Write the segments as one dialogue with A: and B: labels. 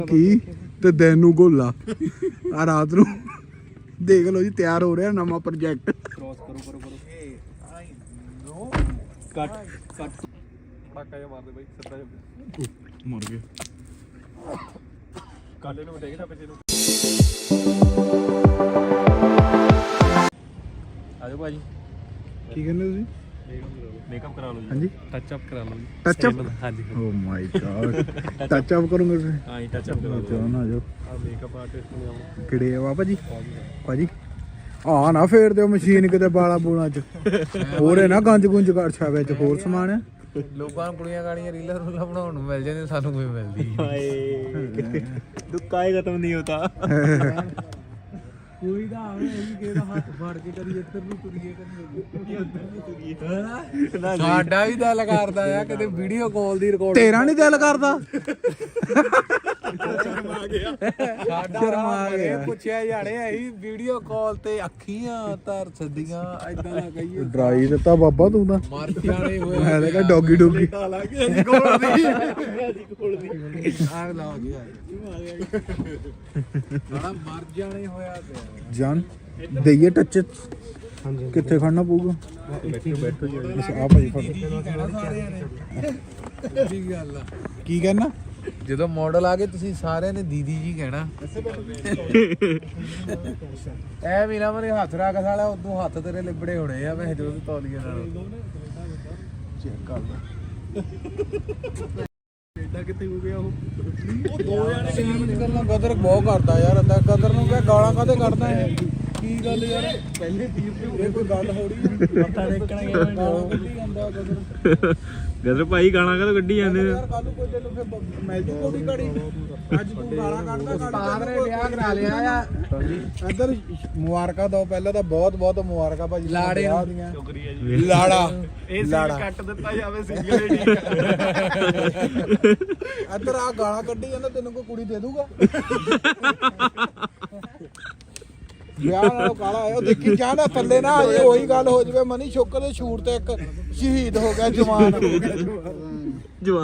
A: ਕੀ ਤੇ ਦਿਨ ਨੂੰ ਗੋਲਾ ਆ ਰਾਤ ਨੂੰ ਦੇਖ ਲਓ ਜੀ ਤਿਆਰ ਹੋ ਰਿਹਾ ਨਵਾਂ ਪ੍ਰੋਜੈਕਟ
B: ਕ੍ਰੋਸ ਕਰੋ ਕੱਟ ਪਟਾਕਾ ਜਿਹਾ ਮਾਰਦੇ ਬਾਈ ਸੱਤਾ ਜਿਹਾ
A: ਮਰ ਗਏ
B: ਕਾਲੇ ਨੂੰ ਦੇਖਦਾ ਪਿੱਛੇ ਨੂੰ ਆਜੋ ਭਾਜੀ
A: ਕੀ ਕਹਿੰਦੇ ਤੁਸੀਂ
B: ਮੇਕਅਪ ਕਰਾ ਲਓ ਜੀ
A: ਹਾਂਜੀ
B: ਟੱਚ ਅਪ ਕਰਾ ਲਓ ਜੀ
A: ਟੱਚ ਅਪ
B: ਹਾਂਜੀ
A: oh my god touch up ਕਰੋਗੇ ਤੁਸੀਂ
B: ਹਾਂ ਜੀ ਟੱਚ ਅਪ ਕਰਾ ਲਓ
A: ਚਲੋ ਨਾ ਜੋ
B: ਆ ਮੇਕਅਪ ਆਰਟਿਸਟ ਨੇ ਆਉਂ
A: ਕਿਹੜੇ ਆ ਭਾਜੀ ਭਾਜੀ ਆ ਨਾ ਫੇਰ ਦਿਓ ਮਸ਼ੀਨ ਕਿਤੇ ਬਾਲਾ ਬੂਲਾਂ ਚ ਹੋਰੇ ਨਾ ਗੰਜ ਗੁੰਜ ਕਰ ਛਾ ਵਿੱਚ ਹੋਰ ਸਮਾਨ ਹੈ
C: ਲੋਕਾਂ ਨੂੰ ਕੁੜੀਆਂ ਗਾੜੀਆਂ ਰੀਲਾਂ ਰੂਲਾਂ ਬਣਾਉਣ ਨੂੰ ਮਿਲ ਜਾਂਦੇ ਸਾਨੂੰ ਕੋਈ ਮਿਲਦੀ
B: ਹਾਏ ਦੁੱਕਾ ਹੀ ਖਤਮ ਨਹੀਂ ਹੁੰਦਾ
C: ਕੋਈ ਦਾ ਆਵੇ ਇਹ ਕਿਹਦਾ ਹੱਥ ਫੜ ਕੇ ਕਰੀ ਇੱਧਰ ਨੂੰ ਤੁਰੀਏ ਕਰੀ ਉੱਧਰ ਨੂੰ ਤੁਰੀਏ ਸਾਡਾ ਵੀ ਦਿਲ ਕਰਦਾ ਆ ਕਿਤੇ ਵੀਡੀਓ ਕਾਲ ਦੀ ਰਿਕਾਰਡ
A: ਤੇਰਾ ਨਹੀਂ ਦਿਲ ਕਰਦਾ
C: ਸਾਡਾ ਗਿਆ ਪੁੱਛਿਆ ਜਾਣੇ ਅਸੀਂ ਵੀਡੀਓ ਕਾਲ ਤੇ ਅੱਖੀਆਂ ਧਰ ਸੱਦੀਆਂ ਐਦਾਂ ਨਾ ਕਹੀਏ
A: ਡਰਾਈ ਦਿੱਤਾ ਬਾਬਾ ਤੂੰ ਤਾਂ
C: ਮਰ ਜਾਣੇ ਹੋਏ
A: ਮੈਂ ਤਾਂ ਕਿਹਾ ਡੌਗੀ ਡੌਗੀ
B: ਲਾਗੇ ਅਸੀਂ ਕੋਲ ਦੀ
C: ਆਹ ਲਾਓ ਜੀ ਬੜਾ ਮਰ ਜਾਣੇ ਹੋਇਆ ਪਿਆ
A: ਜਾਨ ਦਈਏ ਟੱਚ ਕਿੱਥੇ ਖੜਨਾ ਪਊਗਾ
B: ਬੈਠੋ ਜੀ
A: ਆ ਭਾਈ ਫੜ
C: ਕਹਿਣਾ ਸਾਰਿਆਂ ਨੇ ਕੀ ਗੱਲ ਆ
A: ਕੀ ਕਹਿਣਾ
C: ਜਦੋਂ ਮਾਡਲ ਆ ਗਏ ਤੁਸੀਂ ਸਾਰਿਆਂ ਨੇ ਦੀਦੀ ਜੀ ਕਹਿਣਾ ਐ ਵੀ ਨਾ ਮੇਰੇ ਹੱਥ ਰੱਖ ਸਾਲਾ ਉਦੋਂ ਹੱਥ ਤੇਰੇ ਲਿਬੜੇ ਹੋਣੇ ਆ ਮੈਂ ਜਦੋਂ ਤੌਲੀਏ ਨਾਲ
A: ਚੈੱਕ ਕਰ ਲੈ
B: ਐਡਾ ਕਿੱਥੇ ਹੋ ਗਿਆ ਉਹ ਦੋ ਜਣੇ
C: ਸੀਨ ਗੱਲਾਂ ਕਦਰ ਬਹੁਤ ਕਰਦਾ ਯਾਰ ਅੱਦਾ ਕਦਰ ਨੂੰ ਕਿਹਾ ਗਾਲਾਂ ਕਾਹਦੇ ਕੱਢਦਾ ਹੈ ਕੀ ਗੱਲ ਯਾਰ
B: ਪਹਿਲੇ ਟੀਮ ਤੇ
C: ਇਹ ਕੋਈ ਗੱਲ ਹੋੜੀ ਮੱਥਾ ਟੇਕਣ ਗਿਆ ਗਾਲਾਂ ਕੱਢੀ ਜਾਂਦਾ ਕਦਰ
B: ਗਦਰ ਭਾਈ ਗਾਣਾ ਕਦੋਂ ਕੱਢੀ ਜਾਂਦੇ
C: ਯਾਰ ਕੱਲ ਨੂੰ ਕੋਈ ਤੈਨੂੰ ਫਿਰ ਮਿਲ ਜੂ ਕੋਈ ਘੜੀ ਅੱਜ ਤੂੰ ਗਾਲਾਂ ਕੱਢਦਾ ਉਸਤਾਦ ਨੇ ਵਿਆਹ ਕਰਾ ਲਿਆ ਆ
A: ਇੱਧਰ ਮੁਬਾਰਕਾਂ ਦੋ ਪਹਿਲਾਂ ਤਾਂ ਬਹੁਤ ਬਹੁਤ ਮੁਬਾਰਕਾਂ ਭਾਜੀ
C: ਲਾੜੇ
A: ਵਿਆਹ
C: ਨੂੰ।
A: ਦੀਆਂ
B: ਸ਼ੁਕਰੀਆ ਜੀ
A: ਲਾੜਾ
B: ਇਹ
A: ਲਾੜਾ।
B: ਸੀਨ ਕੱਟ ਦਿੱਤਾ ਜਾਵੇ ਸਿੰਗਲ ਏਡੀ
A: ਇੱਧਰ ਆ ਗਾਲਾਂ ਕੱਢੀ ਜਾਂਦਾ ਤੈਨੂੰ ਕੋਈ ਕੁੜੀ ਦੇ ਦੂਗਾ ਵਿਆਹ ਨਾਲੋਂ ਕਾਲਾ ਆਇਆ ਉਹ ਦੇਖੀ ਜਾਣਾ ਥੱਲੇ ਨਾ ਆ ਜੇ ਉਹੀ ਗੱਲ ਹੋ ਜਵੇ ਮਨੀ ਸ਼ੁਕਰ ਦੇ ਸ਼ੂਟ ਤੇ ਇੱਕ ਸ਼ਹੀਦ ਹੋ ਗਿਆ ਜਵਾਨ
B: ਜਵਾਨ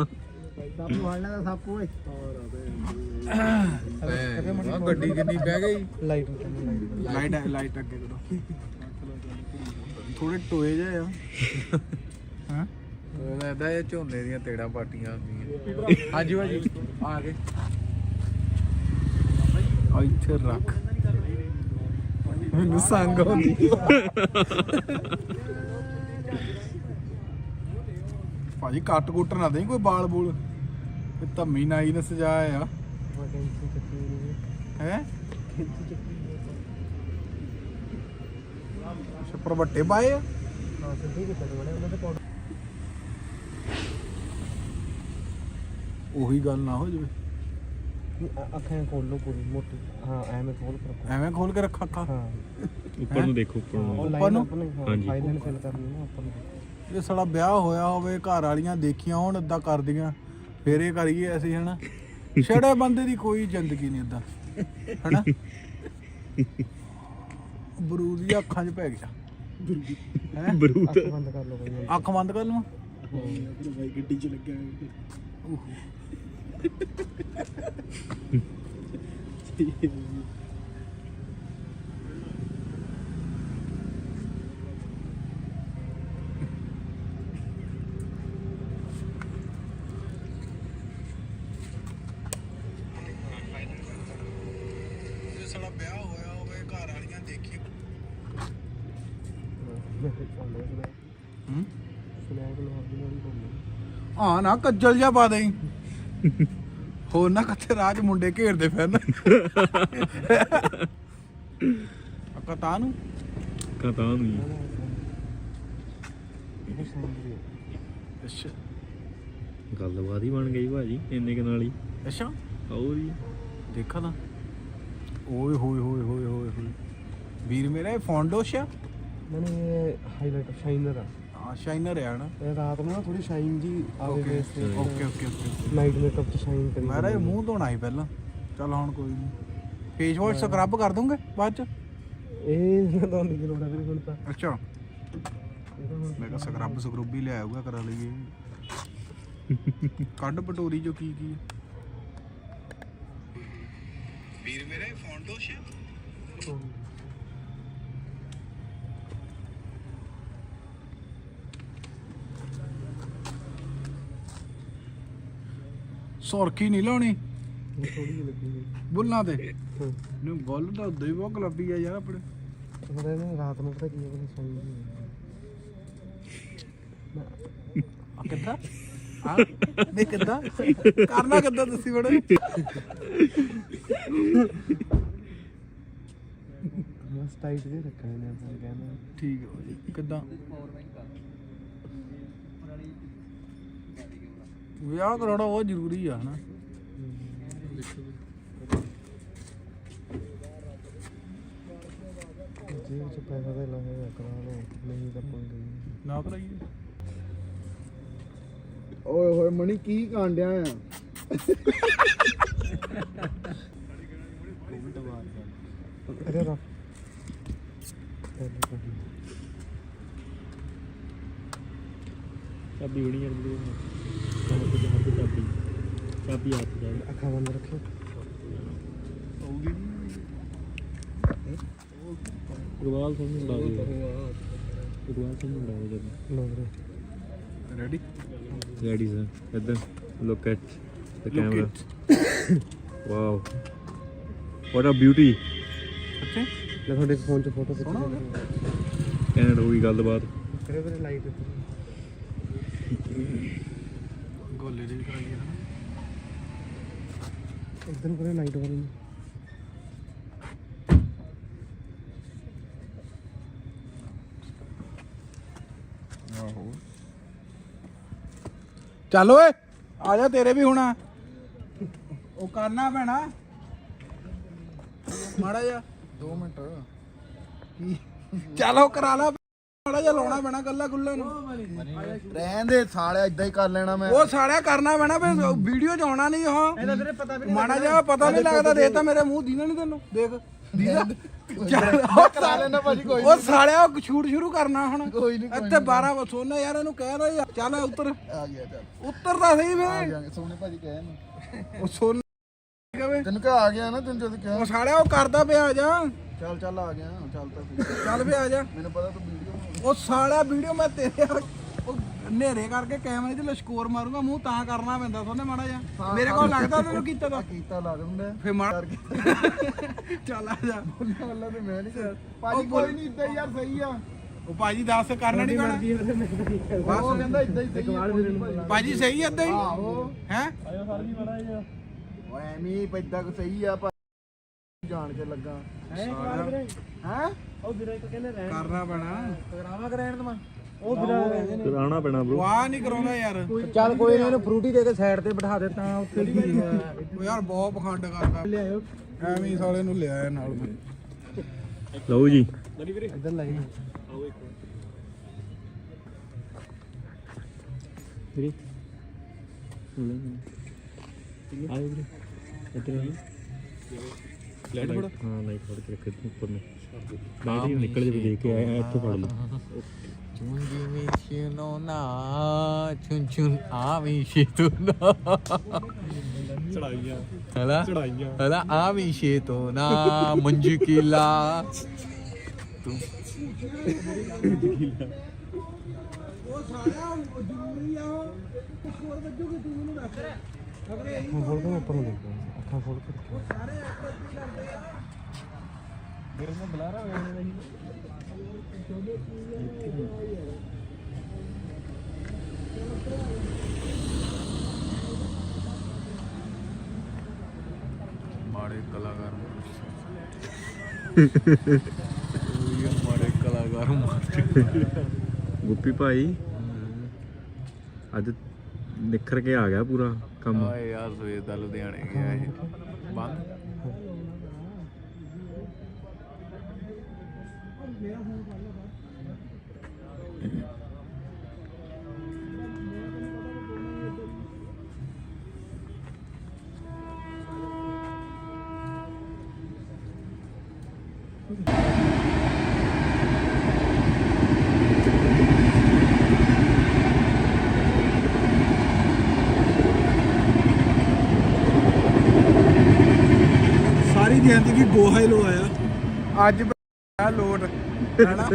C: ਗੱਡੀ ਕਿੰਨੀ ਬਹਿ ਗਈ
A: ਲਾਈਟ ਅੱਗੇ ਕਰੋ ਥੋੜੇ ਟੋਏ ਜਿਹੇ ਆ ਹਾਂ
C: ਉਹ ਲੱਗਦਾ ਇਹ ਝੋਨੇ ਦੀਆਂ ਤੇੜਾਂ ਪਾਟੀਆਂ ਹੁੰਦੀਆਂ ਹਾਂਜੀ ਭਾਜੀ ਆ ਗਏ
A: ਆ ਇੱਥੇ ਰੱਖ ਮੈਨੂੰ ਸੰਗ ਹੁੰਦੀ ਭਾਜੀ ਕੱਟ ਕੁੱਟ ਨਾ ਦੇਈ ਕੋਈ ਬਾਲ ਬੂਲ ਇਹ ਧੰਮੀ ਨਾਈ ਨੇ ਸਜਾਇਆ ਆ ਹੈ ਛੱਪਰ ਵੱਟੇ ਪਾਏ ਆ ਉਹੀ ਗੱਲ ਨਾ ਹੋ ਜਾਵੇ
C: ਅੱਖਾਂ ਖੋਲ ਲੋ ਪੂਰੀ ਮੋਟੀ ਹਾਂ ਐਵੇਂ ਖੋਲ ਕੇ ਰੱਖੋ
A: ਐਵੇਂ ਖੋਲ ਕੇ ਰੱਖ ਅੱਖਾਂ
C: ਹਾਂ
B: ਉੱਪਰ ਨੂੰ ਦੇਖੋ ਉੱਪਰ ਨੂੰ
A: ਉੱਪਰ ਨੂੰ
B: ਹਾਂਜੀ।
C: ਫਾਈਨਲ ਫਿਲ ਕਰਨੀ ਨਾ ਉੱਪਰ ਨੂੰ
A: ਜੇ ਸਾਡਾ ਵਿਆਹ ਹੋਇਆ ਹੋਵੇ ਘਰ ਵਾਲੀਆਂ ਦੇਖੀਆਂ ਹੋਣ ਏਦਾਂ ਕਰਦੀਆਂ ਫੇਰ ਇਹ ਕਰੀਏ ਅਸੀਂ ਹਨਾ ਛੜੇ ਬੰਦੇ ਦੀ ਕੋਈ ਜ਼ਿੰਦਗੀ ਨਹੀਂ ਏਦਾਂ ਹਨਾ ਬਰੂਦ ਦੀ ਅੱਖਾਂ 'ਚ ਪੈ ਗਿਆ ਹੈ
B: ਬਰੂਦ
C: ਬੰਦ ਕਰ ਲਓ ਭਾਈ
A: ਅੱਖ ਬੰਦ ਕਰ ਲਵਾਂ
B: ਭਾਈ ਗੱਡੀ 'ਚ ਲੱਗਿਆ
A: ਸਾਡਾ ਵਿਆਹ ਹੋਇਆ ਹੋਵੇ ਘਰ ਵਾਲੀਆਂ ਦੇਖੀ ਹਾਂ ਨਾ ਕੱਜਲ ਜਿਹਾ ਪਾ ਦੇਈ ਹੋਰ ਨਾ ਕਿੱਥੇ ਰਾਜ ਮੁੰਡੇ ਘੇਰਦੇ ਫਿਰਨ ਕਤਾ ਨੂੰ
B: ਕਹਤਾ ਨਹੀਂ
A: ਅੱਛਾ
B: ਗੱਲਬਾਤ ਹੀ ਬਣ ਗਈ ਭਾਜੀ ਇੰਨੇ ਕੁ ਨਾਲ ਹੀ
A: ਅੱਛਾ
B: ਆਓ ਜੀ
A: ਦੇਖਾ ਨਾ ਓਏ ਹੋਏ ਹੋਏ ਹੋਏ ਹੋਏ ਹੋਏ ਵੀਰ ਮੇਰਾ ਇਹ ਫੌਂਡੋਸ਼ ਆ
C: ਮੈਨੇ ਇਹ ਹਾਈਲਾਈਟਰ ਸ਼ਾਈਨਰ ਆ
A: ਹਾਂ ਸ਼ਾਈਨਰ ਆ ਨਾ
C: ਇਹ ਰਾਤ ਨੂੰ ਨਾ ਥੋੜੀ ਸ਼ਾਈਨ ਜੀ ਆਵੇ
A: ਓਕੇ
C: ਫੇਸ ਤੇ
A: okay okay okay
C: night makeup ਚ ਸ਼ਾਈਨ ਕਰੀ
A: ਮੇਰਾ ਇਹ ਮੂੰਹ ਧੋਣਾ ਸੀ ਪਹਿਲਾਂ ਚੱਲ ਹੁਣ ਕੋਈ ਨਹੀਂ ਫੇਸ ਵਾਸ਼ ਸਕਰਬ ਕਰ ਦੂੰਗੇ ਬਾਅਦ ਚ
C: ਇਹ ਨਾ ਦੋਨ ਦੀ ਲੋੜ ਹੈ ਹੁਣ ਤਾਂ
A: ਅੱਛਾ ਮੈਂ ਕਿਹਾ ਸਕਰਬ ਸਕਰੂਬ ਹੀ ਲੈ ਆਊਗਾ ਕਰਾ ਲਈਏ ਕੱਢ ਪਟੋਰੀ ਜੋ ਕੀ ਕੀ ਵੀਰ ਮੇਰੇ ਫੌਂਡੋਸ਼ ਸੁਰਖੀ ਨਹੀਂ ਲਾਉਣੀ
B: ਥੋੜੀ ਜਿਹੀ ਲੱਗੂਗੀ
A: ਬੁੱਲਾਂ ਤੇ ਨੂੰ ਬੁੱਲ ਤਾਂ ਉਦੋਂ ਹੀ ਬਹੁਤ ਗੁਲਾਬੀ ਆ ਯਾਰ ਆਪਣੇ
B: ਉਹਦੇ ਨੇ ਰਾਤ ਨੂੰ ਪਤਾ ਕੀ ਹੈ ਬਣੀ ਸੌਂ
A: ਕਿੱਦਾਂ ਆ ਨਹੀਂ ਕਿੱਦਾਂ ਕਰਨਾ ਕਿੱਦਾਂ ਦੱਸੀ ਬੜੇ
B: ਬਸ ਟਾਈਟ ਜੇ ਰੱਖਣੇ ਨੇ ਆਪਾਂ ਕਹਿੰਦੇ
A: ਠੀਕ ਹੈ ਜੀ ਕਿੱਦਾਂ ਵਿਆਹ ਕਰਾਉਣਾ ਉਹ ਜ਼ਰੂਰੀ ਆ ਹਨਾ
B: ਜੇ ਵਿੱਚ ਪੈਸਾ ਦੇ ਲਾਇਆ ਕਰਾ ਲਓ ਨਹੀਂ ਤਾਂ ਪੰਗੇ
A: ਨਾ ਕਰਾਈਏ
B: ਓਏ ਹੋਏ ਮਣੀ ਕੀ ਕਾਂਡਿਆ ਆ ਅਰੇ ਰਾ
D: ਚਾਬੀ ਹੋਣੀ ਯਾਰ ਵੀਡੀਓ ਕੰਮ ਤੇ ਹੱਥ ਚਾਬੀ ਚਾਬੀ ਹੱਥ ਜਾ
B: ਅੱਖਾਂ ਬੰਦ ਰੱਖੋ
A: ਹੋਊਗੀ
D: ਗੁਰਵਾਲ ਸਿੰਘ ਨੂੰ ਲਾ ਦਿਓ ਗੁਰਵਾਲ ਸਿੰਘ ਨੂੰ ਲਾ ਦਿਓ
B: ਲੋ ਵੀਰੇ
A: ਰੈਡੀ
D: ਰੈਡੀ ਸਰ ਇੱਧਰ look at the camera wow what a beauty
A: ਅੱਛਾ
B: ਲੈ ਤੁਹਾਡੇ ਫੋਨ 'ਚ ਫੋਟੋ ਖਿੱਚ
D: ਕੈਨੇਡਾ ਹੋ ਗਈ ਗੱਲਬਾਤ
B: ਕਰੇ ਵੀਰੇ ਲਾਈਟ
A: ਗੋਲੇ ਦੀ ਵੀ ਕਰਾਈਏ ਹਨਾ
B: ਇੱਧਰ ਨੂੰ ਕਰੇ ਲਾਈਟ ਵਾਲੀ ਨੂੰ
A: ਆਹੋ ਚੱਲ ਓਏ ਆ ਜਾ ਤੇਰੇ ਵੀ ਹੋਣਾ ਉਹ ਕਰਨਾ ਪੈਣਾ ਮਾੜਾ ਜਾ 2 ਮਿੰਟ ਕੀ ਚੱਲ ਉਹ ਕਰਾ ਲਾ ਮਾੜਾ ਜਾ ਲਾਉਣਾ ਪੈਣਾ ਗੱਲਾਂ ਗੁੱਲਾਂ ਨੂੰ
B: ਰਹਿਣ ਦੇ ਸਾਲਿਆ ਇਦਾਂ ਹੀ ਕਰ ਲੈਣਾ ਮੈਂ
A: ਉਹ ਸਾਲਿਆ ਕਰਨਾ ਪੈਣਾ ਫੇ ਵੀਡੀਓ ਚ ਆਉਣਾ ਨਹੀਂ ਉਹ
B: ਇਹਦਾ ਵੀਰੇ ਪਤਾ ਵੀ
A: ਮਾੜਾ ਜਾ ਪਤਾ ਨਹੀਂ ਲੱਗਦਾ ਦੇਖ ਤਾਂ ਮੇਰੇ ਮੂੰਹ ਦੀਨਾ ਨਹੀਂ ਤੈਨੂੰ ਦੇਖ ਦੀਦਾ
B: ਕਰਾ ਲੈਣਾ ਭਾਜੀ ਕੋਈ
A: ਉਹ ਸਾਲਿਆ ਉਹ ਸ਼ੂਟ ਸ਼ੁਰੂ ਕਰਨਾ ਹੁਣ
B: ਕੋਈ ਨਹੀਂ
A: ਇੱਥੇ 12 ਸੋਨਾ ਯਾਰ ਇਹਨੂੰ ਕਹਿ ਰਿਹਾ ਚੱਲ ਉੱਤਰ
B: ਆ ਗਿਆ ਚੱਲ
A: ਉੱਤਰ ਤਾਂ ਸਹੀ
B: ਆ
A: ਫੇ
B: ਗਿਆ ਸੋਨੇ ਭਾਜੀ ਕਹੇ ਨਾ
A: ਉਹ ਸੋਨਾ ਕਵੇ
B: ਤੈਨੂੰ ਕਿਹਾ ਆ ਗਿਆ ਨਾ ਤੈਨੂੰ ਜਦ ਕਿਹਾ
A: ਉਹ ਸਾਲਿਆ ਉਹ ਕਰਦਾ ਪਿਆ ਆ ਜਾ
B: ਚੱਲ ਚੱਲ ਆ ਗਿਆ ਚੱਲ ਤਾਂ ਸਹੀ।
A: ਚੱਲ ਫੇ ਆ ਜਾ
B: ਮੈਨੂੰ ਪਤਾ ਤੂੰ ਵੀਡੀਓ
A: ਉਹ ਸਾਲਿਆ ਵੀਡੀਓ ਮੈਂ ਤੇਰੇ ਉਹ ਹਨੇਰੇ ਕਰਕੇ ਕੈਮਰੇ 'ਚ ਲਸ਼ਕੋਰ ਮਾਰੂੰਗਾ ਮੂੰਹ ਤਾਂ ਕਰਨਾ ਪੈਂਦਾ ਸੋਨੇ ਮਾੜਾ ਜਿਹਾ ਮੇਰੇ ਕੋਲ ਲੱਗਦਾ ਤੈਨੂੰ ਕੀਤਾ ਤਾਂ
B: ਕੀਤਾ ਲਾ ਦਿੰਦਾ
A: ਫੇ ਮਾਰ ਚੱਲ ਆ ਜਾ
B: ਅੱਲਾ ਤੇ ਮੈਂ ਨਹੀਂ ਕਰ ਭਾਜੀ ਕੋਈ ਨਹੀਂ ਇਦਾਂ ਯਾਰ ਸਹੀ ਆ
A: ਉਹ ਭਾਜੀ ਦੱਸ ਕਰਨਾ ਨਹੀਂ ਪੈਣਾ
B: ਉਹ ਕਹਿੰਦਾ ਇਦਾਂ ਹੀ ਸਹੀ ਆ
A: ਭਾਜੀ ਸਹੀ ਏਦਾਂ ਹੀ
B: ਆਹੋ
A: ਹੈ
B: ਓਏ ਐਵੇਂ ਪੈਦਾ ਕੋ ਸਹੀ ਆ ਜਾਣ ਕੇ ਲੱਗਾ ਹੈ ਉਹ ਵੀਰੇ ਇੱਕ ਕਹਿੰਦੇ ਰਹਿਣ
A: ਕਰਨਾ ਪੈਣਾ
B: ਕਰਾਵਾ ਕਰੈਣ ਤਮਾ ਉਹ
D: ਕਰਾਉਣਾ ਪੈਣਾ ਬ్రో
A: ਵਾਹ ਨਹੀਂ ਕਰਾਉਂਦਾ ਯਾਰ
B: ਚੱਲ ਕੋਈ ਨਾ ਇਹਨੂੰ ਫਰੂਟੀ ਦੇ ਕੇ ਸਾਈਡ ਤੇ ਬਿਠਾ ਦੇ ਤਾਂ ਉੱਥੇ ਕੀ
A: ਉਹ ਯਾਰ ਬਹੁਤ ਪਖੰਡ ਕਰਦਾ
B: ਲਿਆਇਓ
A: ਐਵੇਂ ਹੀ ਸਾਲੇ ਨੂੰ ਲਿਆਇਆ ਨਾਲ ਮੈਂ
D: ਲਓ ਜੀ
B: ਇੱਧਰ ਲਾਈ
D: ਵੀਰੇ ਆਏ ਵੀਰੇ ਇੱਧਰ ਆਈ ਲਾਈਟ ਫੜ ਹਾਂ ਲਾਈਟ ਫੜ ਕੇ ਰੱਖ ਦੇ ਉੱਪਰ ਨੂੰ ਲਾਈਟ ਹੀ ਨਿਕਲ ਜੇ ਦੇਖ ਕੇ ਆਇਆ ਇੱਥੋਂ ਫੜ ਲਓ
C: ਚੁੰਜੀ ਮਿਸ਼ਨੋ ਨਾ ਚੁੰ ਚੁੰ ਆ ਮਿਸ਼ਨੋ
D: ਚੜਾਈਆਂ
C: ਹਲਾ
D: ਚੜਾਈਆਂ
C: ਹਲਾ ਆ ਮਿਸ਼ਨੋ ਨਾ ਮੰਜਕਿਲਾ ਤੂੰ
A: ਉਹ ਸਾਲਿਆ ਜ਼ਰੂਰੀ ਆ ਉਹ ਹੋਰ ਵੱਜੂਗੀ ਤੂੰ ਮੈਨੂੰ ਦੱਸ ਅਗਰੇ
B: ਅੱਖਾਂ ਖੋਲ ਕੇ ਉੱਪਰ ਨੂੰ ਦੇਖੋ ਅੱਖਾਂ ਖੋਲ ਕੇ ਰੱਖੋ
A: ਸਾਰੇ ਐਕਟਰ ਕੀ ਕਰਦੇ ਆ
B: ਮੇਰੇ ਨਾਲ ਬੁਲਾਰਾ ਹੋਇਆ ਨਹੀਂ
C: ਮਾੜੇ ਕਲਾਕਾਰ ਮਾੜੇ ਕਲਾਕਾਰ
D: ਗੁੱਪੀ ਭਾਈ ਅੱਜ ਨਿਖਰ ਕੇ ਆ ਗਿਆ ਪੂਰਾ ਕੰਮ
C: ਆਏ ਯਾਰ ਸਵੇਰ ਦਾ ਲੁਧਿਆਣੇ ਗਿਆ ਇਹ ਬੰਦ
A: ਸਾਰੀ ਜ਼ਿੰਦਗੀ ਗੋਹਾ ਹੀ ਲਵਾਇਆ ਅੱਜ ਆ ਲੋਟ ਹੈਨਾ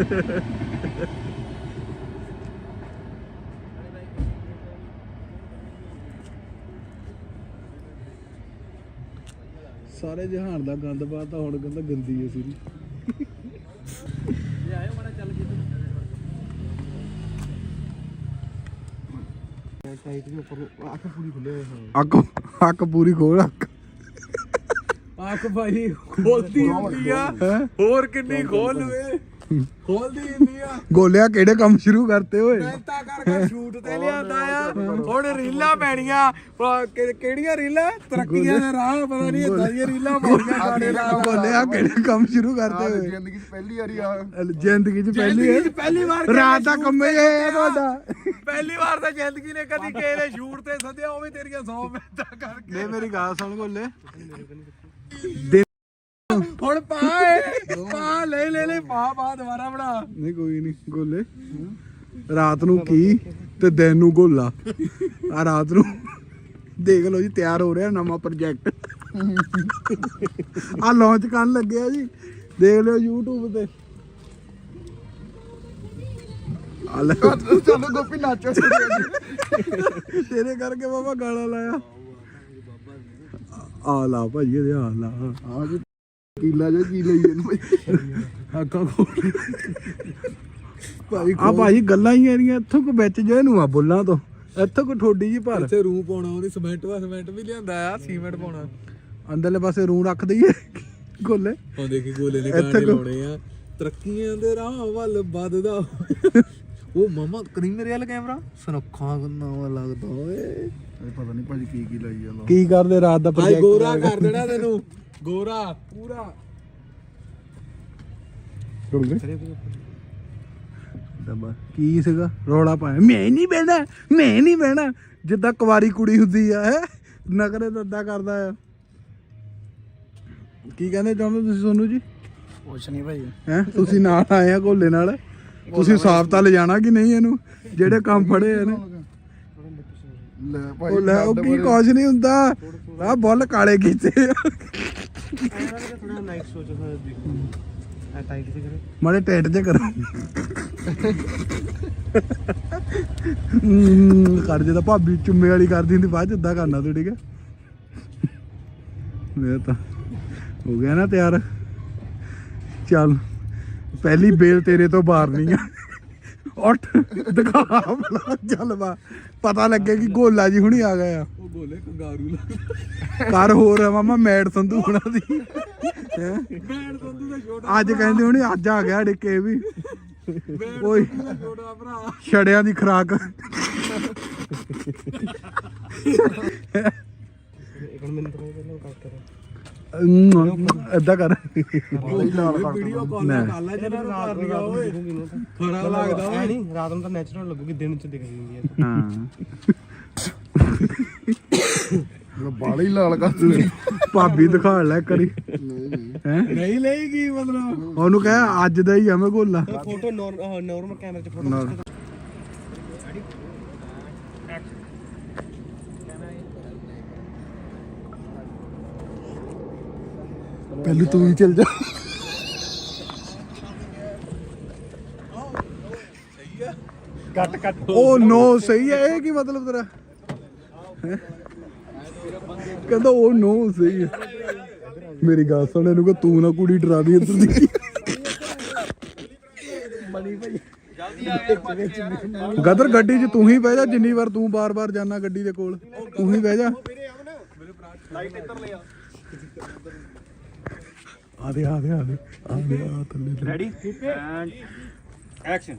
A: ਸਾਰੇ ਜਹਾਨ ਦਾ ਗੰਦ ਪਾਤਾ ਹੁਣ ਕਹਿੰਦਾ ਗੰਦੀ ਐ ਸਿਰੀ ਅੱਖ ਪੂਰੀ ਖੋਲ ਅੱਖ ਭਾਈ ਖੋਲਦੀ ਹੁੰਦੀ ਆ ਹੋਰ ਕਿੰਨੀ ਖੋਲ ਲਵੇ ਖੋਲਦੀ ਹੁੰਦੀ ਆ ਗੋਲਿਆ ਕਿਹੜੇ ਕੰਮ ਸ਼ੁਰੂ ਕਰਤੇ ਓਏ ਮਿਹਨਤਾਂ ਕਰ ਸ਼ੂਟ ਤੇ ਲਿਆਂਦਾ ਆ ਹੁਣ ਰੀਲਾਂ ਪੈਣੀਆਂ ਕਿਹੜੀਆਂ ਰੀਲਾਂ ਤਰੱਕੀਆਂ ਦੇ ਰਾਹ ਪਤਾ ਨਹੀਂ ਇਦਾਂ ਦੀਆਂ ਰੀਲਾਂ ਮਾਰੀਆਂ ਗਾਣੇ ਲਾ ਗੋਲਿਆ ਕਿਹੜੇ ਕੰਮ ਸ਼ੁਰੂ ਕਰਤੇ ਓਏ
B: ਜ਼ਿੰਦਗੀ 'ਚ ਪਹਿਲੀ ਵਾਰੀ ਆ
A: ਜ਼ਿੰਦਗੀ 'ਚ ਪਹਿਲੀ ਵਾਰ ਰਾਤ ਦਾ ਕੰਮ ਇਹ ਹੈ ਤੁਹਾਡਾ ਪਹਿਲੀ ਵਾਰ ਤਾਂ ਜ਼ਿੰਦਗੀ ਨੇ ਕਦੀ ਕਿਸੇ ਨੇ ਸ਼ੂਟ ਤੇ ਸੱਦਿਆ ਉਹ ਵੀ ਤੇਰੀਆਂ 100 ਮਿਹਨਤਾਂ ਕਰਕੇ ਲੈ ਮੇਰੀ ਗੱਲ ਸੁਣ ਗੋਲੇ ਹੁਣ ਪਾ ਲੈ ਪਾ ਦੁਬਾਰਾ ਬਣਾ ਨਹੀਂ ਕੋਈ ਨਹੀਂ ਗੋਲੇ ਰਾਤ ਨੂੰ ਕੀ ਤੇ ਦਿਨ ਨੂੰ ਗੋਲਾ ਆ ਰਾਤ ਨੂੰ ਦੇਖ ਲਓ ਜੀ ਤਿਆਰ ਹੋ ਰਿਹਾ ਨਵਾਂ ਪ੍ਰੋਜੈਕਟ ਆ ਲਾਂਚ ਕਰਨ ਲੱਗਿਆ ਜੀ ਦੇਖ ਲਿਓ YouTube ਤੇ ਆ ਲੈ
B: ਚਲੋ ਗੋਪੀ ਨਾਚੋ
A: ਤੇਰੇ ਕਰਕੇ ਬਾਬਾ ਗਾਲਾਂ ਲਾਇਆ ਆ ਲਾ ਭਾਜੀ ਇਹਦੇ ਆ ਲਾ
B: ਆ ਜੀ ਕੀਲਾ ਜੋ ਕੀ ਲਈ ਇਹਨੂੰ
A: ਅੱਖਾਂ ਖੋਲ ਭਾਈ ਆ ਭਾਜੀ ਗੱਲਾਂ ਹੀ ਇਹਦੀਆਂ ਇੱਥੋਂ ਕੋ ਵਿੱਚ ਜੇ ਇਹਨੂੰ ਆ ਬੁੱਲਾਂ ਤੋਂ ਇੱਥੋਂ ਕੋ ਠੋਡੀ ਜੀ ਭਰ ਇੱਥੇ ਰੂੰ ਪਾਉਣਾ ਉਹਦੀ ਸਿਮੈਂਟ ਵੀ ਲਿਆਂਦਾ ਆ ਸੀਮੈਂਟ ਪਾਉਣਾ ਅੰਦਰਲੇ ਪਾਸੇ ਰੂੰ ਰੱਖ ਦਈਏ ਗੋਲੇ ਉਹ ਦੇਖੀ ਗੋਲੇ ਨੇ ਗਾਣੇ ਲਾਉਣੇ ਆ ਤਰੱਕੀਆਂ ਦੇ ਰਾਹ ਵੱਲ ਵੱਧਦਾ ਉਹ ਮਾਮਾ ਕਰੀ ਮੇਰੇ ਵਾਲਾ ਕੈਮਰਾ ਸੁਨੱਖਾ ਨਵਾਂ ਲੱਗਦਾ ਓਏ
B: ਪਤਾ ਨਹੀਂ ਭਾਜੀ ਕੀ ਲਾਈ ਜਾਂਦਾ
A: ਕੀ ਕਰਦੇ ਰਾਤ ਦਾ ਪ੍ਰੋਜੈਕਟ ਗੋਰਾ ਕਰ ਦੇਣਾ ਤੈਨੂੰ ਗੋਰਾ ਪੂਰਾ ਰੁਕ ਗਏ ਦਬਾ ਕੀ ਸੀਗਾ ਰੌਲਾ ਪਾਇਆ ਮੈਂ ਨਹੀਂ ਬਹਿਣਾ ਜਿੱਦਾਂ ਕੁਵਾਰੀ ਕੁੜੀ ਹੁੰਦੀ ਆ ਹੈ ਨਖਰੇ ਦੱਦਾ ਕਰਦਾ ਆ ਕੀ ਕਹਿੰਦੇ ਚਾਹੁੰਦੇ ਤੁਸੀਂ ਸੋਨੂ ਜੀ
B: ਕੁਛ ਨਹੀਂ ਭਾਈ
A: ਹੈ ਤੁਸੀਂ ਨਾਲ ਆਏ ਆ ਗੋਲੇ ਨਾਲ ਤੁਸੀਂ ਸਾਫ ਤਾਂ ਲਿਜਾਣਾ ਕਿ ਨਹੀਂ ਇਹਨੂੰ ਜਿਹੜੇ ਕੰਮ ਫੜੇ ਆ ਨੇ
B: ਲੈ
A: ਉਹ
B: ਭਾਈ
A: ਲੈ ਉਹ ਕੀ ਕੁਛ ਨਹੀਂ ਹੁੰਦਾ ਆ ਬੁੱਲ ਕਾਲੇ ਕੀਤੇ
C: ਥੋੜਾ ਨਾਈਟ ਸੋਚੋ ਆ ਟਾਈਟ ਤੇ ਕਰੇ
A: ਮਾੜੇ ਟੈਟ ਜੇ ਕਰੋ ਕਰ ਜੇ ਤਾਂ ਭਾਬੀ ਚੁੰਮੇ ਵਾਲੀ ਕਰਦੀ ਹੁੰਦੀ ਬਾਅਦ ਚ ਏਦਾਂ ਕਰਨਾ ਤੂੰ ਠੀਕ ਹੈ ਮੈਂ ਤਾਂ ਹੋ ਗਿਆ ਨਾ ਤਿਆਰ ਚੱਲ ਪਹਿਲੀ ਬੇਲ ਤੇਰੇ ਤੋਂ ਬਾਰਨੀ ਆ ਉੱਠ ਦਿਖਾ ਬਲਾ ਚੱਲ ਵਾ ਪਤਾ ਲੱਗੇ ਕਿ ਗੋਲਾ ਜੀ ਹੁਣੀ ਆ ਗਏ ਆ ਉਹ ਗੋਲੇ ਕੰਗਾਰੂ ਕਰ ਹੋਰ ਮਾਮਾ ਮੈਡ ਸੰਧੂ ਹੁਣਾ ਦੀ ਹੈ ਮੈਡ ਸੰਧੂ ਦਾ ਛੋਟਾ ਅੱਜ ਕਹਿੰਦੇ ਹੁਣੀ ਅੱਜ ਆ ਗਿਆ ਡਿੱਕੇ ਵੀ ਓਏ ਛੋਟਾ ਭਰਾ ਛੜਿਆਂ ਦੀ ਖਰਾਕ
C: ਇੱਕ ਮਿੰਟ ਪਹਿਲਾਂ ਕੱਟ ਕਰ
A: ਏਦਾਂ ਕਰ
B: ਵੀਡੀਓ
C: ਕਾਲ ਕਰ ਲੈ ਜਿਹੜਾ ਰਾਤ ਨੂੰ ਓਏ ਖਰਾ ਲੱਗਦਾ ਓਏ ਨਹੀਂ ਰਾਤ ਨੂੰ ਤਾਂ ਨੈਚੁਰਲ ਲੱਗੂਗੀ ਦਿਨ ਚ ਦਿਖ ਜਾਂਦੀ ਹੈ
A: ਹਾਂ
B: ਬਾਲੀ ਲਾਲ ਕਰ ਦੇ
A: ਭਾਬੀ ਦਿਖਾ ਲੈ ਕਰੀ ਹੈ
C: ਨਹੀਂ ਲਈ ਕੀ ਮਤਲਬ
A: ਉਹਨੂੰ ਕਹਿ ਅੱਜ ਦਾ ਹੀ ਆ ਮੈਂ ਗੋਲਾ
C: ਫੋਟੋ ਨਾਰਮਲ ਕੈਮਰੇ ਚ ਫੋਟੋ
A: ਪਹਿਲੇ ਤੂੰ ਹੀ ਚੱਲ ਜਾ
C: ਕੱਟ
A: ਉਹ ਨੋ ਸਹੀ ਹੈ ਇਹ ਕੀ ਮਤਲਬ ਤੇਰਾ ਹੈਂ? ਕਹਿੰਦਾ ਉਹ ਨੋ ਸਹੀ ਹੈ ਮੇਰੀ ਗੱਲ ਸੁਣ ਇਹਨੂੰ ਕਿ ਤੂੰ ਨਾ ਕੁੜੀ ਡਰਾ ਦੀ ਇੱਧਰ ਦੀ ਗਦਰ ਗੱਡੀ 'ਚ ਤੂੰ ਹੀ ਬਹਿ ਜਾ ਜਿੰਨੀ ਵਾਰ ਤੂੰ ਬਾਰ-ਬਾਰ ਜਾਣਾ ਗੱਡੀ ਦੇ ਕੋਲ ਤੂੰ ਹੀ ਬਹਿ ਜਾ ਆ ਦੇ ਥੱਲੇ
C: ਰੈਡੀ ਐਂਡ ਐਕਸ਼ਨ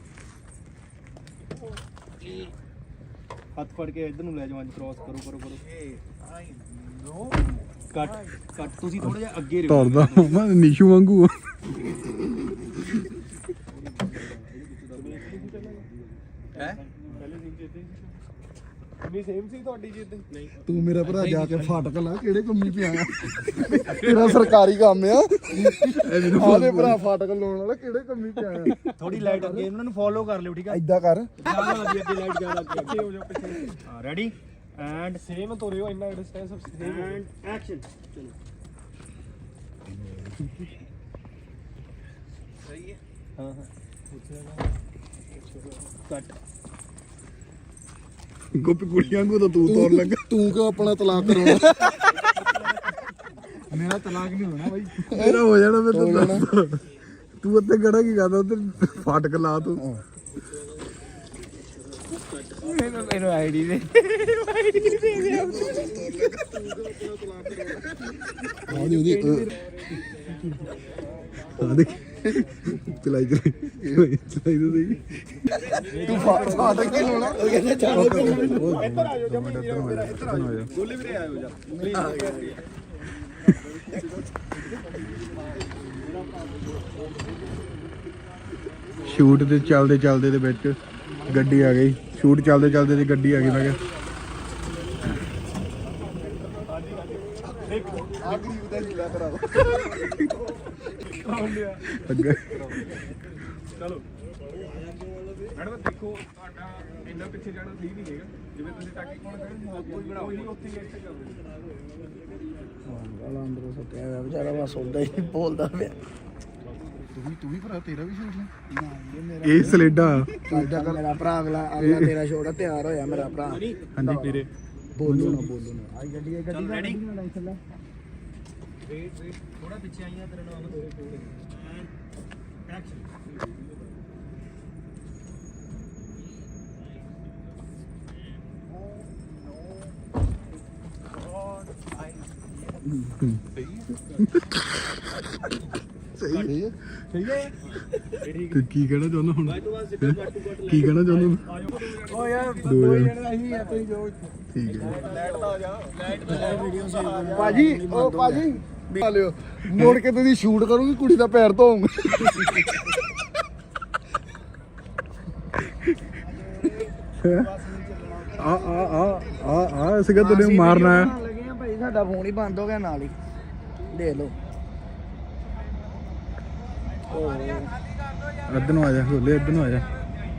C: ਹੱਥ ਫੜ ਕੇ ਇੱਧਰ ਨੂੰ ਲੈ ਜਾਓ ਅੱਜ ਕ੍ਰੋਸ ਕਰੋ ਕੱਟ ਤੁਸੀਂ ਥੋੜਾ ਜਿਹਾ ਅੱਗੇ ਰਹੋ
A: ਤੁਰਦਾ ਮੈਂ ਨੀਸ਼ੂ ਵਾਂਗੂ
C: ਵੀ ਸੇਮ ਸੀ ਤੁਹਾਡੀ ਜਿੱਦ ਨਹੀਂ
B: ਤੂੰ ਮੇਰਾ ਭਰਾ ਜਾ ਕੇ ਫਾਟਕ ਲਾ ਕਿਹੜੇ ਕੰਮੀ ਪਿਆ ਤੇਰਾ ਸਰਕਾਰੀ ਕੰਮ ਆ ਆਦੇ ਭਰਾ ਫਾਟਕ ਲਾਉਣ ਵਾਲਾ ਕਿਹੜੇ ਕੰਮੀ ਪਿਆ
C: ਥੋੜੀ ਲਾਈਟ ਅੱਗੇ ਇਹਨਾਂ ਨੂੰ ਫੋਲੋ ਕਰ ਲਿਓ ਠੀਕ ਹੈ
B: ਏਦਾਂ ਕਰ
C: ਅੱਗੇ ਲਾਈਟ ਜ਼ਿਆਦਾ ਅੱਗੇ ਹੋ ਜਾਓ ਪਿੱਛੇ ਹਾਂ ਰੈਡੀ ਐਂਡ ਸੇਮ ਤੋਰਿਓ ਇੰਨਾ ਡਿਸਟੈਂਸ ਸੇਮ ਐਂਡ ਐਕਸ਼ਨ ਚਲੋ ਸਹੀ ਹੈ
B: ਹਾਂ ਹਾਂ
C: ਕੱਟ
A: ਗੋਪੀ ਕੁੜੀਆਂ ਨੂੰ ਤਾਂ ਤੂੰ ਤੋੜ ਲੱਗਾ।
B: ਤੂੰ ਕਿਉਂ ਆਪਣਾ ਤਲਾਕ ਕਰਾਉਣਾ?
C: ਮੇਰਾ ਤਲਾਕ ਨਹੀਂ ਹੋਣਾ ਬਾਈ।
A: ਮੇਰਾ ਹੋ ਜਾਣਾ ਮੈਂ ਤੈਨੂੰ ਦੱਸਦਾ। ਤੂੰ ਉੱਤੇ ਖੜਾ ਕੀ ਕਰਦਾ ਉੱਤੇ ਫਾਟਕ ਲਾ ਤੂੰ।
C: ਮੈਨੂੰ ਆਈਡੀ ਦੇ
A: ਆ ਦੇਖ ਚਲਾਈ ਤਾਂ ਸਹੀ।
B: ਤੂੰ ਫਾਟਕ ਕੀ ਲਾਉਣਾ? ਉਹ ਕਹਿੰਦਾ ਚਲੋ
A: ਇੱਧਰ ਆ ਜਾ
B: ਗੋਲੇ ਵੀਰੇ ਆਇਓ ਜਾ
A: ਸ਼ੂਟ ਤੇ ਚੱਲਦੇ ਦੇ ਵਿੱਚ ਗੱਡੀ ਆ ਗਈ। ਸ਼ੂਟ ਚੱਲਦੇ ਤੇ ਗੱਡੀ ਆ ਗਈ। ਮੈਂ ਕਿਹਾ
B: ਆ ਗਰੀਬ ਦਾ ਹੀਲਾ ਕਰਾਓ।
A: ਅੱਗੇ
E: ਚਲੋ ਮੈਡਮ ਦੇਖੋ ਤੁਹਾਡਾ ਇੰਨਾ ਪਿੱਛੇ ਜਾਣਾ ਸਹੀ ਨਹੀਂ ਹੈਗਾ। ਜਿਵੇਂ ਤੁਸੀਂ ਟਾਕੀ ਕੋਲ ਖੜੇ ਕੋਈ ਬਣਾਓ ਹੀ ਉੱਥੇ ਹੀ ਐਕਟ ਕਰਦੇ।
B: ਗਾਲਾਂ ਅੰਦਰੋਂ ਸੁੱਟਿਆ ਹੋਇਆ ਵਿਚਾਰਾ ਬਸ ਉਦਾਂ ਹੀ ਬੋਲਦਾ ਪਿਆ। ਤੂੰ ਵੀ ਭਰਾ ਤੇਰਾ ਵੀ ਛੋੜ ਲੈ।
A: ਇਹ ਸਲੇਡਾ
B: ਮੇਰਾ ਭਰਾ ਅਗਲਾ ਤੇਰਾ ਛੋੜਾ ਤਿਆਰ ਹੋਇਆ ਮੇਰਾ ਭਰਾ।
A: ਹਾਂਜੀ ਵੀਰੇ
B: ਬੋਲੋ ਨਾ ਆਈ ਗੱਡੀ ਰੈਡੀ
C: ਥੋੜਾ ਪਿੱਛੇ ਆਈਆਂ ਤੇਰੇ ਨਾਲ
B: ਸਹੀ ਹੈ
A: ਤੇ ਕੀ ਕਹਿਣਾ ਚਾਹੁੰਦਾ ਹੁਣ? ਕੀ ਕਹਿਣਾ ਚਾਹੁੰਦਾ?
C: ਓ ਯਾਰ
A: ਦੋ ਜਣੇ।
C: ਅਸੀਂ ਇੱਥੇ ਹੀ ਜੋ
A: ਠੀਕ ਹੈ।
B: ਭਾਜੀ ਉਹ ਭਾਜੀ ਆ ਲਿਓ ਮੋੜ ਕੇ ਤੁਸੀਂ ਸ਼ੂਟ ਕਰੂੰਗੀ ਕੁੜੀ ਦਾ ਪੈਰ ਧੋਉਂਗਾ।
A: ਆ ਸੀਗਾ ਤੈਨੂੰ ਮਾਰਨਾ ਹੈ।
B: ਲੱਗੇ ਆ ਭਾਈ ਸਾਡਾ ਫੋਨ ਹੀ ਬੰਦ ਹੋ ਗਿਆ ਨਾਲ ਹੀ ਦੇਖ ਲਓ।
A: ਇੱਧਰ ਨੂੰ ਆ ਜਾ ਹੋਲੇ, ਇੱਧਰ ਨੂੰ ਆ ਜਾ।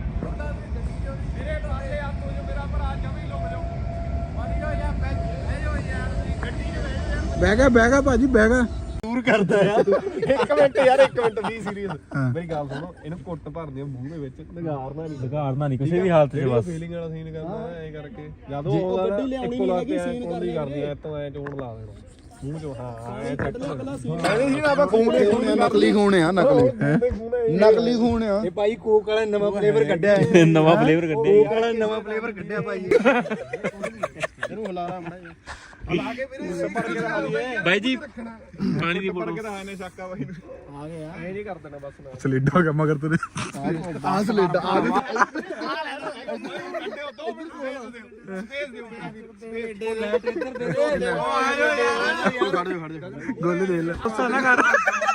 A: ਬਹਿ ਗਿਆ ਭਾਜੀ ਬਹਿ ਗਿਆ।
E: ਦੂਰ ਕਰਦਾ ਆ। ਇੱਕ ਮਿੰਟ ਯਾਰ, ਇੱਕ ਮਿੰਟ ਵੀ ਸੀਰੀਅਸ ਮੇਰੀ ਗੱਲ ਸੁਣੋ। ਇਹਨੂੰ ਕੁੱਟ ਭਰਦੇ ਮੂੰਹ ਦੇ ਵਿੱਚ
D: ਲਗਾੜਨਾ ਨਹੀਂ ਕਿਸੇ ਵੀ ਹਾਲਤ 'ਚ ਬਸ।
E: ਫੀਲਿੰਗ ਵਾਲਾ ਸੀਨ ਕਰਨਾ ਐ ਕਰਕੇ ਜਦੋਂ ਉਹ ਗੱਡੀ ਲਿਆਉਣੀ ਨਹੀਂ ਹੈਗੀ ਸੀਨ ਕਰਨੀ ਐ ਤੋਂ ਐ ਚੋਣ ਲਾ ਦੇਣਾ ਮੂੰਹ ਚੋਂ। ਹਾਂ ਐ ਚੱਕ ਕਹਿੰਦੇ ਸੀ ਨਾ ਆਪਾਂ ਖੂਨ
B: ਨਕਲੀ ਖੂਨ ਆ ਨਕਲੀ ਖੂਨ ਆ।
C: ਇਹ ਭਾਈ ਕੋਕ ਵਾਲਾ ਨਵਾਂ ਫਲੇਵਰ ਕੱਢਿਆ ਹੈ।
D: ਨਵਾਂ ਫਲੇਵਰ ਕੱਢਿਆ
C: ਕੋਕ ਵਾਲਾ ਨਵਾਂ ਫਲੇਵਰ ਕੱਢਿਆ ਭਾਈ।
B: ਇਹਨੂੰ ਹਲਾਰਾ ਮੜਾ
E: ਲਾ ਕੇ ਵੀਰੇ ਪਰ ਕੇ ਰਹਾ ਲਈਏ
D: ਬਾਈ ਜੀ ਪਾਣੀ ਦੀ
E: ਪਰ
D: ਬੋਤਲ
E: ਕੇ ਰਹਾ ਨੇ ਸ਼ੱਕਾ ਬਾਈ ਨੂੰ
B: ਆ ਗਿਆ
E: ਐ ਨਹੀਂ ਕਰ ਦੇਣਾ ਬਸ ਨਾ
A: ਸਲੇਡਾ ਹੋ ਗਿਆ ਮਗਰ ਤੇਰੇ।
B: ਆ ਸਲੇਡਾ ਆ
A: ਗੋਲੇ ਦੇ ਲੈ। ਗੁੱਸਾ ਨਾ ਕਰ।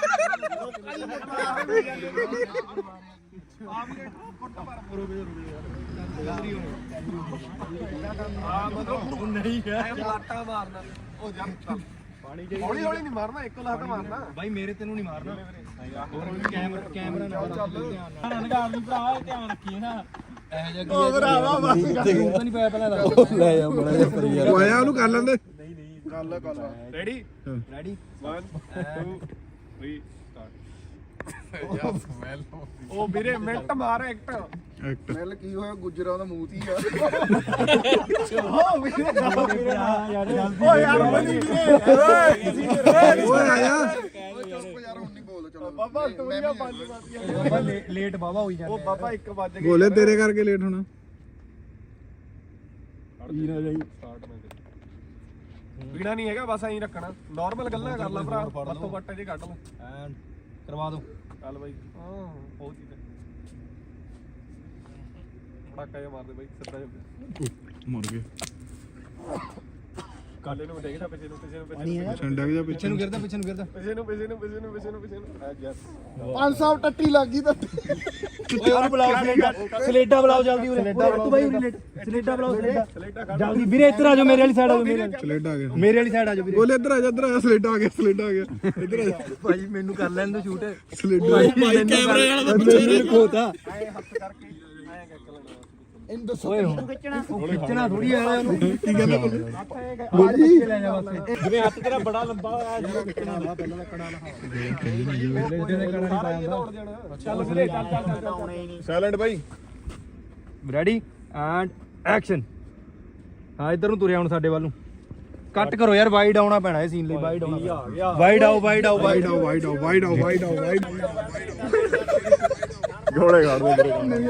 E: ਹੌਲੀ ਹੌਲੀ ਨਹੀਂ ਮਾਰਨਾ, ਇੱਕੋ ਲੱਤ ਮਾਰਨਾ
C: ਭਾਈ ਮੇਰੇ ਤੈਨੂੰ ਨਹੀਂ ਮਾਰਨਾ। ਕੈਮਰਾ ਨਾਲ ਧਿਆਨ ਭਰਾ ਧਿਆਨ ਰੱਖੀਏ ਨਾ। ਇਹ ਜਿਹਾ
E: ਉਹ ਭਰਾਵਾ ਬਸ
C: ਤਾਂ ਨਹੀਂ ਪਿਆ ਪਹਿਲਾਂ ਲੈ ਜਾ ਬੜਾ ਜਿਹਾ ਕਰੀ
A: ਉਹ ਆਇਆ ਉਹਨੂੰ ਕਰ ਲੈਂਦੇ।
E: ਗੱਲ ਰੈਡੀ
C: ਰੈਡੀ
E: 1 2 3 ਸਟਾਰਟ। ਉਹ ਵੀਰੇ ਮਿੰਟ ਮਾਰ ਐਕਟ
A: ਐਕਟ
B: ਮਿਲ ਕੀ ਹੋਇਆ ਗੁੱਜਰਾਂ ਦਾ ਮੂੰਹ ਹੀ ਆ।
E: ਓ ਯਾਰ ਬਣੀ ਵੀਰੇ
A: ਓਏ ਆਇਆ।
B: ਯਾਰ ਹੁਣ ਨਹੀਂ ਬੋਲ ਚਲੋ
E: ਬਾਬਾ ਤੁਮੀਆਂ 5 ਵਜੇ
C: ਲੇਟ ਬਾਬਾ ਹੋਈ ਜਾਂਦਾ।
E: ਉਹ ਬਾਬਾ 1 ਵਜ ਗਿਆ
A: ਗੋਲੇ ਤੇਰੇ ਕਰਕੇ ਲੇਟ ਹੋਣਾ।
E: ਪੀਣਾ ਨਹੀਂ ਹੈਗਾ ਬਸ ਐਂ ਰੱਖਣਾ। ਨਾਰਮਲ ਗੱਲਾਂ ਕਰ ਲੈ ਭਰਾ, ਬੱਤੋਂ ਬੱਟੇ ਜੇ ਕੱਢ ਲੈ
C: ਕਰਵਾ ਦੋ।
E: ਚੱਲ ਬਾਈ। ਹਾਂ ਬਹੁਤ ਚੀਜ਼ ਪਟਾਕਾ ਜਿਹਾ ਮਾਰਦੇ ਬਾਈ ਸਿੱਧਾ ਜਿਹਾ
A: ਮਰ ਗਏ।
E: ਕਾਲੇ ਨੂੰ ਦੇਖਦਾ ਪਿੱਛੇ ਨੂੰ
A: ਛੰਡਾ ਗਿਆ ਪਿੱਛੇ ਨੂੰ।
C: ਗਿਰਦਾ ਪਿੱਛੇ ਨੂੰ ਗਿਰਦਾ।
E: ਪਿੱਛੇ ਨੂੰ ਆ ਗਿਆ
B: 500 ਟੱਟੀ ਲੱਗ ਗਈ ਤਾਂ
C: ਓਏ ਉਹਨੂੰ ਬੁਲਾਓ ਸਲੇਡਾ ਬੁਲਾਓ ਜਲਦੀ ਉਰੇ। ਤੂੰ ਬਾਈ ਉਰੇ ਸਲੇਡਾ ਬੁਲਾਓ ਸਲੇਡਾ ਜਲਦੀ ਵੀਰੇ ਇੱਧਰ ਆ ਜਾਓ ਮੇਰੇ ਵਾਲੀ ਸਾਈਡ ਆ ਜਾਓ
A: ਸਲੇਡਾ ਆ ਗਿਆ।
C: ਮੇਰੇ ਵਾਲੀ ਸਾਈਡ ਆ ਜਾਓ ਵੀਰੇ।
A: ਗੋਲੇ ਇੱਧਰ ਆ ਜਾ, ਇੱਧਰ ਆ ਜਾ। ਸਲੇਡਾ ਆ ਗਿਆ ਇੱਧਰ ਆ ਜਾ।
C: ਭਾਈ ਮੈਨੂੰ ਕਰ ਲੈਣ ਦੋ ਸ਼ੂਟ।
A: ਸਲੇਡਾ
C: ਭਾਈ ਕੈਮਰੇ ਵਾਲਾ ਤਾਂ ਪਿੱਛੇ ਨੂੰ ਖੋਤਾ।
E: ਐ ਹੱਥ ਕਰਕੇ ਐ ਕੱਕ ਲੈਣਾ
B: ਇਹਨੂੰ ਦੱਸੋ
C: ਖਿੱਚਣਾ ਥੋੜੀ ਆ ਉਹਨੂੰ
A: ਕੀ ਕਹਿੰਦਾ
C: ਲੈ ਜਾ ਬਸ
D: ਜਿਵੇਂ ਹੱਥ ਤੇਰਾ ਬੜਾ ਲੰਬਾ ਹੋਇਆ ਜਿਹੜਾ
C: ਪਹਿਲਾਂ ਦਾ ਕੜਾ ਨਹੀਂ ਪਾਉਂਦਾ
E: ਚੱਲ ਵੀਰੇ ਚੱਲ ਸਾਇਲੈਂਟ ਬਾਈ
C: ਰੈਡੀ ਐਂਡ ਐਕਸ਼ਨ ਹਾਂ ਇੱਧਰ ਨੂੰ ਤੁਰਿਆ ਹੁਣ ਸਾਡੇ ਵੱਲ ਨੂੰ ਕੱਟ ਕਰੋ ਯਾਰ ਵਾਈਡ ਆਉਣਾ ਪੈਣਾ ਇਹ ਸੀਨ ਲਈ ਵਾਈਡ ਆਉਣਾ ਵਾਈਡ ਆਓ ਵਾਈਡ ਆਓ
A: ਵਾਈਡ ਆਓ ਵਾਈਡ ਆਓ ਵਾਈਡ ਆਓ ਵਾਈਡ ਆਓ ਵਾਈਡ
E: ਘੋੜੇ ਖੜ ਦੇ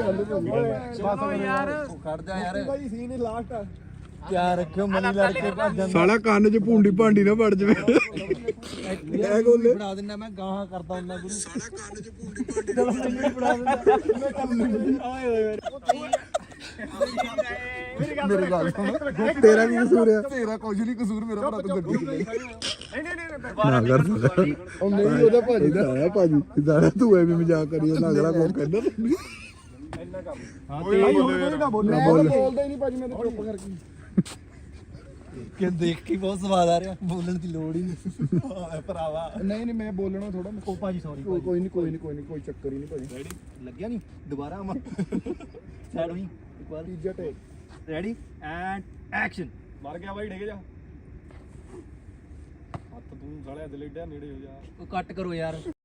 C: ਖੜ ਜਾ ਯਾਰ
B: ਭਾਈ ਸੀਨ ਹੀ ਲਾਸਟ ਆ
C: ਕਿਆ ਰੱਖਿਓ ਮਨੀ ਲੜ ਕੇ ਭੱਜਣ
A: ਸਾਲਾ ਕੰਨ 'ਚ ਭੂੰਡੀ ਭਾਂਡੀ ਨਾ ਵੜ ਜਵੇ
C: ਇਹ ਗੋਲੇ ਬਣਾ ਦਿੰਦਾ ਮੈਂ ਗਾਹਾਂ ਕਰਦਾ ਹੁੰਦਾ ਗੁਰੂ ਸਾਲਾ ਕੰਨ 'ਚ ਭੂੰਡੀ ਭਾਂਡੀ ਚਲੋ ਮੈਨੂੰ ਬਣਾ ਦਿੰਦਾ
B: ਮੇਰੇ ਗੱਲ ਸੁਣ
A: ਤੇਰਾ ਕੀ ਕਸੂਰ ਆ
B: ਤੇਰਾ ਕੁਝ ਨਹੀਂ ਕਸੂਰ ਮੇਰਾ ਭਰਾ ਤੂੰ ਗੱਡੀ ਚਲਾਈ
A: ਨਾ ਕਰ
B: ਉਹ ਨਹੀਂ ਉਹਦਾ ਭਾਜੀ ਦਾ
A: ਆਇਆ ਭਾਜੀ ਇਦਾਂ ਤੂੰ ਐਵੇਂ ਮਜ਼ਾਕ ਕਰੀ ਉਹਨਾਂ ਅਗਲਾ ਕੋਲ ਕਹਿੰਦਾ
B: ਕੋਈ ਨਾ ਬੋਲ ਮੈਂ ਤਾਂ ਬੋਲਦਾ ਹੀ ਨਹੀਂ ਭਾਜੀ ਮੈਂ ਤਾਂ ਚੁੱਪ ਕਰਕੇ
C: ਕਿ ਦੇਖ ਕੇ ਬਹੁਤ ਸਵਾਦ ਆ ਰਿਹਾ ਬੋਲਣ ਦੀ ਲੋੜ ਹੀ ਨਹੀਂ ਭਰਾਵਾ
B: ਨਹੀਂ ਨਹੀਂ ਮੈਂ ਬੋਲਣਾ ਥੋੜਾ
C: ਉਹ ਭਾਜੀ ਸੌਰੀ
B: ਕੋਈ ਨਹੀਂ ਕੋਈ ਚੱਕਰ ਹੀ ਨਹੀਂ ਭਾਜੀ
C: ਲੱਗਿਆ ਨਹੀਂ ਦੁਬਾਰਾ ਆਵਾਂ ਸਾਈਡ ਹੋਈ ਇੱਕ ਵਾਰ
B: ਤੀਜਾ ਟੇਕ
C: ਰੈਡੀ ਐਂਡ ਐਕਸ਼ਨ
E: ਮਰ ਗਿਆ ਬਾਈ ਡਿੱਗ ਜਾ ਹੱਥ ਤੂੰ ਸਾਲਿਆ ਦਿਲ ਏਡਾ ਨੇੜੇ ਹੋ ਜਾ
C: ਉਹ ਕੱਟ ਕਰੋ ਯਾਰ